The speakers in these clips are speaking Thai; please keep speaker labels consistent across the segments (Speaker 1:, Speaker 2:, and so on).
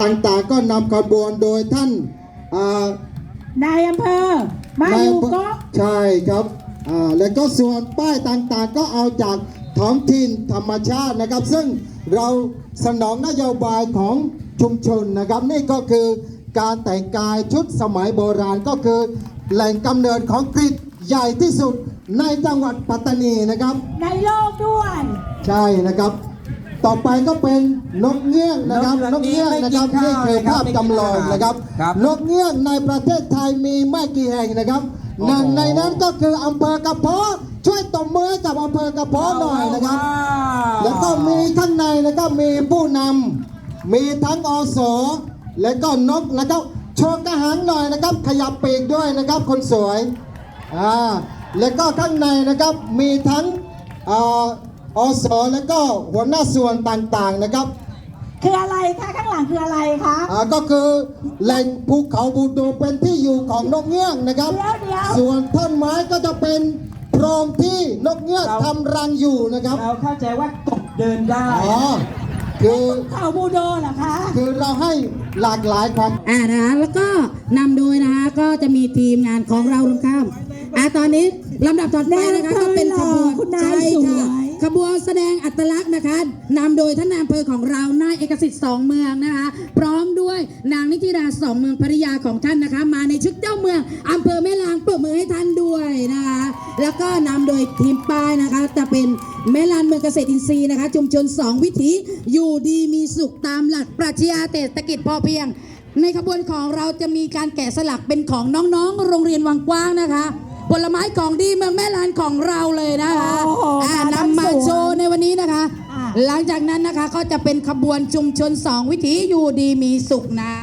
Speaker 1: ต่างๆก็นำขบวนโดยท่าน
Speaker 2: นายอำเภอมาอยู่ก็
Speaker 1: ใช่ครับแล้วก็ส่วนป้ายต่างๆก็เอาจากท้องถิ่นธรรมชาตินะครับ ซึ่งเราสนองนโยบายของชุมชนนะครับนี่ก็คือการแต่งกายชุดสมัยโบราณก็คือแหล่งกำเนิดของกรีฑใหญ่ที่สุดในจังหวัดปัตตานีนะครับ
Speaker 2: ในโลกด้วย
Speaker 1: ใช่นะครับต่อไปก็เป็นนกเงือกนะครับนกเงือกนะครับนี่คือภาพจำลองนะครับนกเงือกในประเทศไทยมีไม่กี่แห่งนะครับหนึ่งในนั้นก็คืออำเภอกระเพาะช่วยตบมือกับอำเภอกระเพาะหน่อยนะครับแล้วก็มีข้างในนะครับมีผู้นำมีทั้งอสและก็นกนะครับโชว์กระหังหน่อยนะครับขยับปีกด้วยนะครับคนสวยแล้วก็ข้างในนะครับมีทั้งอสแล้วก็หัวหน้าส่วนต่างๆนะครับ
Speaker 2: คืออะไรคะข้างหลังคืออะไรคะ
Speaker 1: ก็คือแหล่งภูเขาบูโดเป็นที่อยู่ของนกเงือกนะครับส่วนต้นไม้ก็จะเป็นโพรงที่นกเงือกทำรังอยู่นะครับ
Speaker 3: เราเข้าใจว่ากบเดินได้
Speaker 1: คือ
Speaker 2: เขาบูโดเหรอคะ
Speaker 1: คือเราให้หลากหลายความ
Speaker 4: นะคะแล้วก็นำโดยนะคะก็จะมีทีมงานของเราลงข้ามตอนนี้ลำดับต่อไปนะคะก็เป็นขบวน
Speaker 2: ใช่ค่ะ
Speaker 4: ขบวนแสดงอัตลักษณ์นะคะนำโดยท่านนายอำเภอของเรานายเอกสิทธิ์สองเมืองนะคะพร้อมด้วยนางนิติราสองเมืองภริยาของท่านนะคะมาในชุดเจ้าเมืองอำเภอแม่ลางปรบมือให้ท่านด้วยนะคะแล้วก็นำโดยทีมป้ายนะคะจะเป็นแม่ลานเมืองเกษตรอินทรีย์นะคะชุมชน2วิถีอยู่ดีมีสุขตามหลักปรัชญาเศรษฐกิจพอเพียงในขบวนของเราจะมีการแกะสลักเป็นของน้องๆโรงเรียนวังกว้างนะคะผลไม้ของดีเมืองแม่ลานของเราเลยนะคะนำมาโชว์ในวันนี้นะคะหลังจากนั้นนะคะก็จะเป็นขบวนชุมชน2วิถีอยู่ดีมีสุขนะ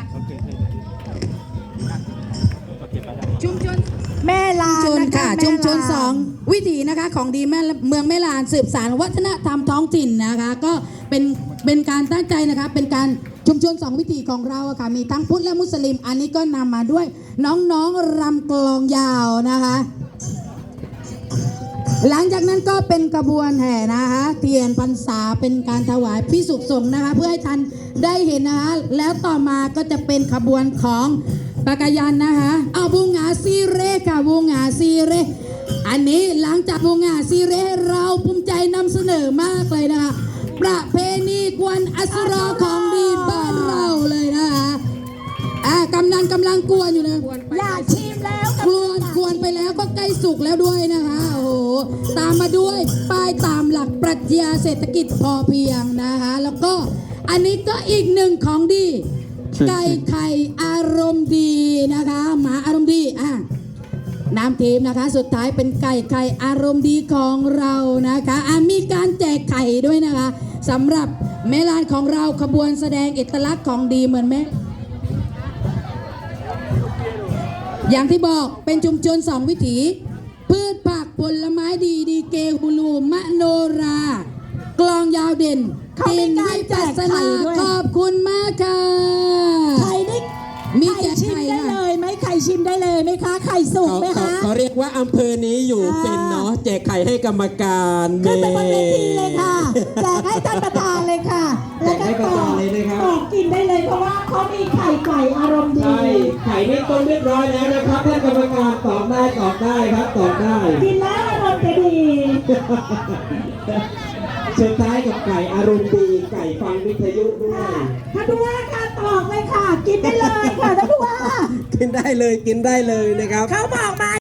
Speaker 4: ชุมชน
Speaker 2: แม่ลาน
Speaker 4: ค่ะชุมชน2วิถีนะคะของดีเมืองแม่ลานสืบสานวัฒนธรรมท้องถิ่นนะคะก็เป็นการตั้งใจนะคะเป็นการชุมชน2วิถีของเราค่ะมีทั้งพุทธและมุสลิมอันนี้ก็นำมาด้วยน้องๆรำกลองยาวนะคะหลังจากนั้นก็เป็นกระบวนแห่นะคะเทียนพรรษาเป็นการถวายพิสุสงฆ์นะคะเพื่อให้ท่านได้เห็นนะคะแล้วต่อมาก็จะเป็นขบวนของปากายันนะคะเอาบูงาซีเร่ค่ะบูงาซีเร่อันนี้หลังจากบูงาซีเร่เราภูมิใจนำเสนอมากเลยนะคะประเพณีกวนอัสรอของดีบ้านเราเลยนะคะกำลังกวนอยู่นะ
Speaker 2: อยากชิมแล้ว
Speaker 4: กวนไปแล้วก็ใกล้สุกแล้วด้วยนะคะโอ้โหตามมาด้วยป้ายตามหลักปรัชญาเศรษฐกิจพอเพียงนะคะแล้วก็อันนี้ก็อีกหนึ่งของดีไก่ไข่อารมณ์ดีนะคะหมาอารมณ์ดีน้ำทีมนะคะสุดท้ายเป็นไก่ไข่อารมณ์ดีของเรานะคะมีการแจกไข่ด้วยนะคะสำหรับแม่ลานของเราขบวนแสดงเอกลักษณ์ของดีเหมือนแม่อย่างที่บอกเป็นชุมชน2วิถีพืชผักผลไม้ดีเกฮูลูมะโนรากลองยาวเด่น
Speaker 2: กินให้จัดสนา
Speaker 4: ขอบคุณมากค่ะ
Speaker 2: ไข่นี่มีแจกไข่ได้เลยไหมไข่ชิมได้เลยไหมคะไข่สุกไหมคะ
Speaker 3: เขาเรียกว่าอำเภอนี้อยู่เป็นเนาะแจกไข่ให้กรรมการ
Speaker 2: ขึ้นไปบนเวทีเลยค่ะแจกให้ท่านประธานเลยค่ะ
Speaker 3: แล้วก็
Speaker 2: ต่อกินได้เลยเพราะว่าเขามีไข่ไก่อารมณ์ดี
Speaker 3: ไข่นี่ต้มเรียบร้อยแล้วนะครับท่านกรรมการตอบได้ครับตอบได้
Speaker 2: กินแล้วอารมณ์จะดี
Speaker 3: สุดท้ายกับไก่อารมณ์ดีไก่ฟังวิทยุด้วย
Speaker 2: ท่านผู้ว่าค่ะตอกเลยค่ะกินได้เลยค่ะท่านผู้ว่า
Speaker 3: กินได้เลยนะครับ
Speaker 2: เขาบอกมา